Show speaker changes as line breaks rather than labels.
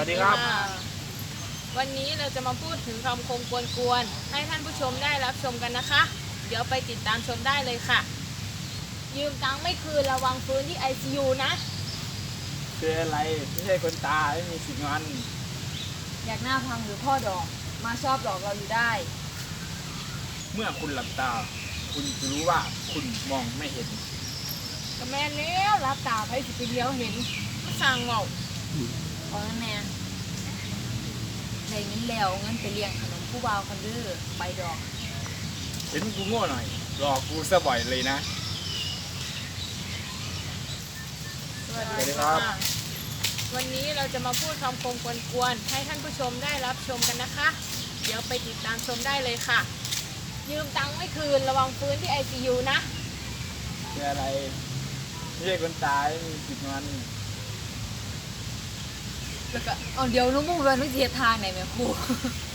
วัสดีครับ
วันนี้เราจะมาพูดถึงคำคมกวนๆให้ท่านผู้ชมได้รับชมกันนะคะ เดี๋ยวไปติดตามชมได้เลยค่ะ ยืมตังค์ไม่คืนระวังฟื้นที่ ICU นะ
คืออะไรไม่ใช่คนตายไม่มีสิทธิ์งอน
อยากหน้าพังหรือพ่อดอกมาชอบหลอกเราอยู่ได้
เมื่อคุณหลับตา คุณจะรู้ว่าคุณมองไม่เห็น
ก็แม่เลี้ยวรับตาไปสิไปเลี้ยวเห็นก็สั่งเงา
เอางั้นแม่ได้เงินแล้วเงินไปเลี้ยงขนมผู้บ่าวคนดื้อไปดอก
เห็นกูโง่หน่อยหลอกกูซะบ่อยเลยนะ
สวัส
สวัสดี
ดี
ครั
ค่ะ
บ
วันนี้เราจะมาพูดคำคมกวนๆให้ท่านผู้ชมได้รับชมกันนะคะ เดี๋ยวไปติดตามชมได้เลยค่ะ ยืมตังค์ไม่คืนระวังฟื้นที่ ICU นะ
คืออะไรไม่ใช่คนตายไม่มีสิทธิ์งอน
แล้วก็เอาเดี๋ยวน้องมุ่งเรียนวิทยาทางไหนแม่ครู